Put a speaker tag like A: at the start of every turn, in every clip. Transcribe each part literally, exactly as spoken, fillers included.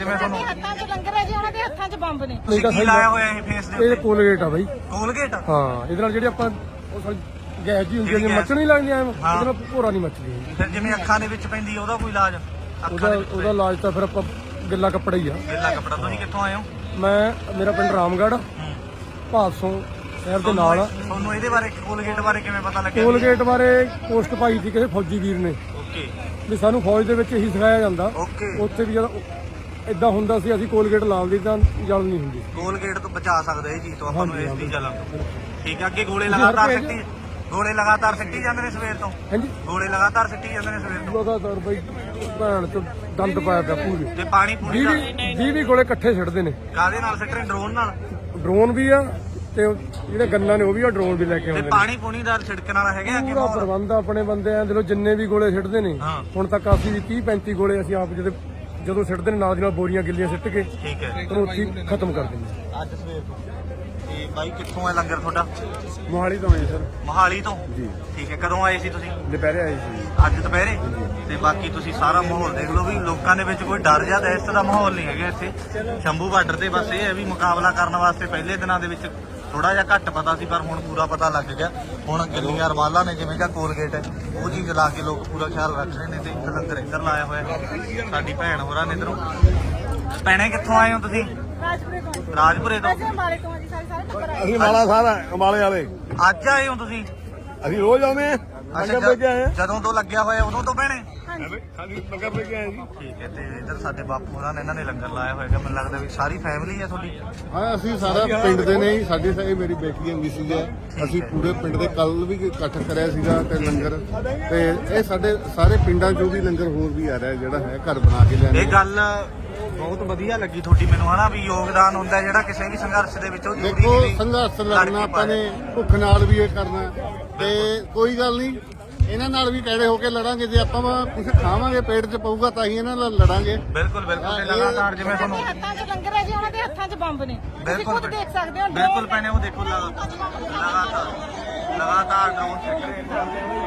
A: ਜਿਵੇਂ ਤੁਹਾਨੂੰ
B: ਹੱਥਾਂ 'ਚ ਲੰਗਰ ਹੈ ਜੀ, ਉਹਨਾਂ ਦੇ ਹੱਥਾਂ 'ਚ ਬੰਬ ਨੇ।
A: ਕੀ ਲਾਇਆ ਹੋਇਆ ਇਹ ਫੇਸ ਦੇ
C: ਇਹ
A: ਉੱਤੇ?
C: ਕੋਲਗੇਟ ਆ ਬਾਈ।
A: ਕੋਲਗੇਟ?
C: ਹਾਂ, ਇਹਦੇ ਨਾਲ ਜਿਹੜੀ ਆਪਾਂ ਉਹ ਸਾਰੀ ਗੈਸ ਜੀ ਹੁੰਦੀ ਹੈ, ਮੱਛਰ ਨਹੀਂ ਲੱਗਦੀ ਐ, ਇਹਦੇ ਨਾਲ ਭੋਰਾ ਨਹੀਂ ਮੱਚਦੀ।
A: ਫਿਰ ਜਿਵੇਂ ਅੱਖਾਂ ਦੇ ਵਿੱਚ ਪੈਂਦੀ ਉਹਦਾ ਕੋਈ ਇਲਾਜ?
C: ਉਹਦਾ ਉਹਦਾ ਇਲਾਜ ਤਾਂ ਫਿਰ ਆਪਾਂ ਗਿੱਲਾ ਕੱਪੜਾ ਹੀ ਆ।
A: ਗਿੱਲਾ ਕੱਪੜਾ। ਤੁਸੀਂ ਕਿੱਥੋਂ ਆਏ ਹੋ?
C: ਮੈਂ ਮੇਰਾ ਪਿੰਡ ਰਾਮਗੜ੍ਹ ਭਾਦਸੋਂ ਸ਼ਹਿਰ ਦੇ ਨਾਲ ਆ।
A: ਤੁਹਾਨੂੰ ਇਹਦੇ ਬਾਰੇ ਕੋਲਗੇਟ ਬਾਰੇ ਕਿਵੇਂ ਪਤਾ ਲੱਗਿਆ?
C: ਕੋਲਗੇਟ ਬਾਰੇ ਪੋਸਟ ਪਾਈ ਸੀ ਕਿਸੇ ਫੌਜੀ ਵੀਰ ਨੇ
A: ਓਕੇ
C: ਵੀ ਸਾਨੂੰ ਫੌਜ ਦੇ ਵਿੱਚ ਇਹੀ ਸਿਖਾਇਆ ਜਾਂਦਾ।
A: ਓਕੇ।
C: ਉੱਥੇ ਵੀ ਜਦੋਂ ਇਦਾਂ ਹੁੰਦਾ ਸੀ ਅਸੀਂ ਕੋਲਗੇਟ ਲਾਉਂਦੇ ਤਾਂ ਜਲ ਨਹੀਂ ਹੁੰਦੀ।
A: ਕੋਲਗੇਟ ਤੋਂ ਬਚਾ ਸਕਦਾ ਇਹ ਚੀਜ਼ ਤੋਂ ਆਪਾਂ ਨੂੰ, ਇਸ ਦੀ ਜਲਨ ਤੋਂ। ਠੀਕ ਹੈ। ਅੱਗੇ ਗੋਲੇ ਲਗਾਤਾਰ ਸਿੱਟੀ ਗੋਲੇ ਲਗਾਤਾਰ ਸਿੱਟੀ ਜਾਂਦੇ ਨੇ ਸਵੇਰ ਤੋਂ?
C: ਹਾਂਜੀ,
A: ਗੋਲੇ ਲਗਾਤਾਰ ਸਿੱਟੀ ਜਾਂਦੇ ਨੇ ਸਵੇਰ ਤੋਂ
C: ਲਗਾਤਾਰ ਬਈ ਭੈਣ ਚ ਦੰਦ ਪਾਇਆ ਪਿਆ ਪੂਰੇ।
A: ਤੇ ਪਾਣੀ ਪੂਰੀ ਦਾ
C: ਵੀਹ ਵੀਹ ਗੋਲੇ ਇਕੱਠੇ ਛੱਡਦੇ ਨੇ।
A: ਕਾਹਦੇ ਨਾਲ ਸਿੱਟ ਰਹੇ? ਡਰੋਨ ਨਾਲ?
C: ਡਰੋਨ ਵੀ ਆ ਤੇ ਉਹ ਜਿਹੜੇ ਗੰਨਾਂ ਨੇ ਉਹ ਵੀ ਆ, ਡਰੋਨ ਵੀ ਲੈ ਕੇ
A: ਤੇ
C: ਆਉਂਦੇ ਨੇ।
A: ਪਾਣੀ ਪੂਣੀ ਦਾ ਛਿੜਕਣ ਵਾਲਾ ਹੈਗਾ ਅੱਗੇ?
C: ਪੂਰਾ ਪ੍ਰਬੰਧ ਆ ਆਪਣੇ ਬੰਦਿਆਂ ਦੇ, ਜਿੰਨੇ ਵੀ ਗੋਲੇ ਸਿੱਟਦੇ ਨੇ
A: ਹਾਂ।
C: ਹੁਣ ਤੱਕ ਅਸੀਂ ਵੀ ਤੀਹ ਪੈਂਤੀ ਗੋਲੇ ਅਸੀਂ ਆਪ ਜਦੋਂ ਜਦੋਂ ਸਿੱਟਦੇ ਨੇ ਨਾਲ ਦੀ ਨਾਲ ਬੋਰੀਆਂ ਗਿੱਲੀਆਂ ਸਿੱਟ ਕੇ
A: ਠੀਕ ਹੈ।
C: ਉਹਨੂੰ ਉੱਥੇ ਹੀ ਖਤਮ ਕਰ ਦਿੰਦੇ।
A: ਅੱਜ ਸਵੇਰ ਤੋਂ। ਤੇ ਬਾਈ ਕਿੱਥੋਂ ਹੈ ਲੰਗਰ ਤੁਹਾਡਾ?
C: ਮੋਹਾਲੀ ਤੋਂ ਆਏ ਸਰ।
A: ਮੋਹਾਲੀ ਤੋਂ?
C: ਜੀ।
A: ਠੀਕ ਹੈ। ਕਦੋਂ ਆਏ ਸੀ ਤੁਸੀਂ?
C: ਦੁਪਹਿਰੇ ਆਏ ਸੀ।
A: ਅੱਜ ਦੁਪਹਿਰੇ? ਤੇ ਬਾਕੀ ਤੁਸੀਂ ਸਾਰਾ ਮਾਹੌਲ ਦੇਖ ਲਓ ਵੀ ਲੋਕਾਂ ਦੇ ਵਿੱਚ ਕੋਈ ਡਰ ਜਾਂ ਦਹਿਸ਼ਤ ਦਾ ਮਾਹੌਲ ਨਹੀਂ ਹੈਗਾ ਇੱਥੇ ਸ਼ੰਭੂ ਬਾਰਡਰ ਤੇ। ਬਸ ਇਹ ਹੈ ਵੀ ਮੁਕਾਬਲਾ ਕਰਨ ਵਾਸਤੇ ਪਹਿਲੇ ਦਿਨਾਂ ਦੇ ਵਿੱਚ ਥੋੜਾ ਜਿਹਾ ਘੱਟ ਪਤਾ ਸੀ, ਪਰ ਹੁਣ ਪੂਰਾ ਪਤਾ ਲੱਗ ਗਿਆ। ਹੁਣ ਗਿੱਲੀਆਂ ਰਵਾਲਾਂ ਨੇ ਜਿਵੇਂ ਜਾਂ ਕੋਲਗੇਟ ਹੈ ਉਹ ਚੀਜ਼ ਲਾ ਕੇ ਲੋਕ ਪੂਰਾ ਖਿਆਲ ਰੱਖ ਰਹੇ ਨੇ। ਤੇ ਇੱਕ ਲੰਗਰ ਇੱਧਰ ਲਾਇਆ ਹੋਇਆ ਸਾਡੀ ਭੈਣ ਹੋਰਾਂ ਨੇ ਇੱਧਰੋਂ। ਭੈਣੇ ਕਿੱਥੋਂ ਆਏ ਹੋ ਤੁਸੀਂ?
B: ਰਾਜਪੁਰੇ ਤੋਂ।
A: ਰਾਜਪੁਰੇ ਤੋਂ?
B: ਅਸੀਂ ਅੰਬਾਲੇ ਤੋਂ ਆ ਜੀ, ਸਾਰੇ ਸਾਰੇ ਟੱਬਰ ਆਏ।
D: ਅਸੀਂ ਮਾਲਾ ਸਾਰਾ ਅੰਬਾਲੇ ਵਾਲੇ
A: ਅੱਜ ਆਏ ਹੋ ਤੁਸੀਂ?
D: ਅਸੀਂ ਰੋਜ਼ ਆਉਂਦੇ ਆ।
A: ਅੱਛਾ,
D: ਲੰਗਰ ਲੈ ਕੇ ਆਏ ਆ।
A: ਜਦੋਂ ਤੋਂ ਲੱਗਿਆ ਹੋਇਆ ਉਦੋਂ ਤੋਂ ਭੈਣੇ?
D: ਹਾਂਜੀ ਲੰਗਰ ਲੈ ਕੇ ਆਏ ਜੀ।
A: ਠੀਕ ਹੈ। ਤੇ ਇੱਧਰ ਸਾਡੇ ਬਾਪੂ ਹੋਰਾਂ ਨੇ ਇਹਨਾਂ ਨੇ ਲੰਗਰ ਲਾਇਆ ਹੋਏਗਾ। ਮੈਨੂੰ ਲੱਗਦਾ ਵੀ ਸਾਰੀ ਫੈਮਿਲੀ ਹੈ ਤੁਹਾਡੀ?
D: ਹਾਂ, ਅਸੀਂ ਸਾਰਾ ਪਿੰਡ ਦੇ ਨੇ ਜੀ। ਸਾਡੀ ਸਾਰੀ ਮੇਰੀ ਬੇਟੀ ਹੈ ਮਿਸਿਸ ਹੈ। ਅਸੀਂ ਪੂਰੇ ਪਿੰਡ ਦੇ ਕੱਲ ਵੀ ਇਕੱਠ ਕਰਿਆ ਸੀਗਾ ਤੇ ਲੰਗਰ, ਤੇ ਇਹ ਸਾਡੇ ਸਾਰੇ ਪਿੰਡਾਂ ਚੋਂ ਵੀ ਲੰਗਰ ਹੋਰ ਵੀ ਆ ਰਿਹਾ ਜਿਹੜਾ ਹੈ ਘਰ ਬਣਾ ਕੇ ਲਿਆਂਦੇ।
A: ਇਹ ਗੱਲ ਬਹੁਤ ਵਧੀਆ ਲੱਗੀ ਤੁਹਾਡੀ ਮੈਨੂੰ, ਹਨਾ ਵੀ ਯੋਗਦਾਨ ਹੁੰਦਾ ਜਿਹੜਾ ਕਿਸੇ ਵੀ ਸੰਘਰਸ਼ ਦੇ ਵਿੱਚ ਉਹ ਜ਼ਰੂਰੀ
D: ਦੇਖੋ
A: ਨਹੀਂ।
D: ਸੰਘਰਸ਼ ਲੜਨਾ ਆਪਾਂ ਨੇ, ਭੁੱਖ ਨਾਲ ਵੀ ਇਹ ਕਰਨਾ ਤੇ ਕੋਈ ਗੱਲ ਨਹੀਂ। ਇਹਨਾਂ ਨਾਲ ਵੀ ਕਿਹੜੇ ਹੋ ਕੇ ਲੜਾਂਗੇ। ਜੇ ਆਪਾਂ ਕੁਝ ਖਾਵਾਂਗੇ ਪੇਟ 'ਚ ਪਊਗਾ ਤਾਂ ਹੀ ਇਹਨਾਂ ਨਾਲ ਲੜਾਂਗੇ।
A: ਬਿਲਕੁਲ ਬਿਲਕੁਲ। ਤੇ ਲਗਾਤਾਰ ਜਿਵੇਂ ਤੁਹਾਨੂੰ
B: ਹੱਥਾਂ 'ਚ ਲੰਗਰ ਹੈ ਜੀ, ਉਹਨਾਂ ਦੇ ਹੱਥਾਂ 'ਚ ਬੰਬ ਨੇ। ਤੁਸੀਂ
A: ਬਿਲਕੁਲ
B: ਖੁਦ ਦੇਖ ਸਕਦੇ ਹੋ।
A: ਬਿਲਕੁਲ ਭੈਣੇ ਉਹ ਦੇਖੋ ਲਗਾਤਾਰ ਲਗਾਤਾਰ ਡਰੋਨ ਚੱਕ ਰਹੇ ਨੇ।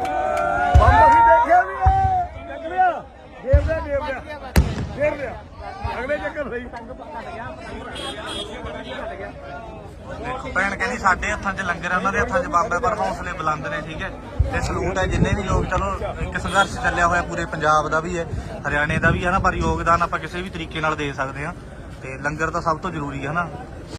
D: ਬੰਬ ਅਸੀਂ ਦੇਖਿਆ ਵੀ ਹੈ। ਚੱਕ ਲਿਆ ਦੇਵ ਦਾ ਦੇਵ ਦਾ ਦੇਵ ਲਿਆ ਅਗਲੇ ਚੱਕਰ ਸਹੀ।
A: ਦੇਖੋ ਭੈਣ ਕਹਿੰਦੀ ਸਾਡੇ ਹੱਥਾਂ 'ਚ ਲੰਗਰ ਹੈ, ਉਹਨਾਂ ਦੇ ਹੱਥਾਂ 'ਚ ਬੰਬ ਹੈ, ਪਰ ਹੌਸਲੇ ਬੁਲੰਦ ਨੇ। ਠੀਕ ਹੈ। ਤੇ ਸਲੂਟ ਹੈ ਜਿੰਨੇ ਵੀ ਲੋਕ, ਚਲੋ ਇੱਕ ਸੰਘਰਸ਼ ਚੱਲਿਆ ਹੋਇਆ ਪੂਰੇ ਪੰਜਾਬ ਦਾ ਵੀ ਹੈ, ਹਰਿਆਣੇ ਦਾ ਵੀ ਹੈ ਨਾ, ਪਰ ਯੋਗਦਾਨ ਆਪਾਂ ਕਿਸੇ ਵੀ ਤਰੀਕੇ ਨਾਲ ਦੇ ਸਕਦੇ ਹਾਂ। ਤੇ ਲੰਗਰ ਤਾਂ ਸਭ ਤੋਂ ਜ਼ਰੂਰੀ ਹੈ ਨਾ।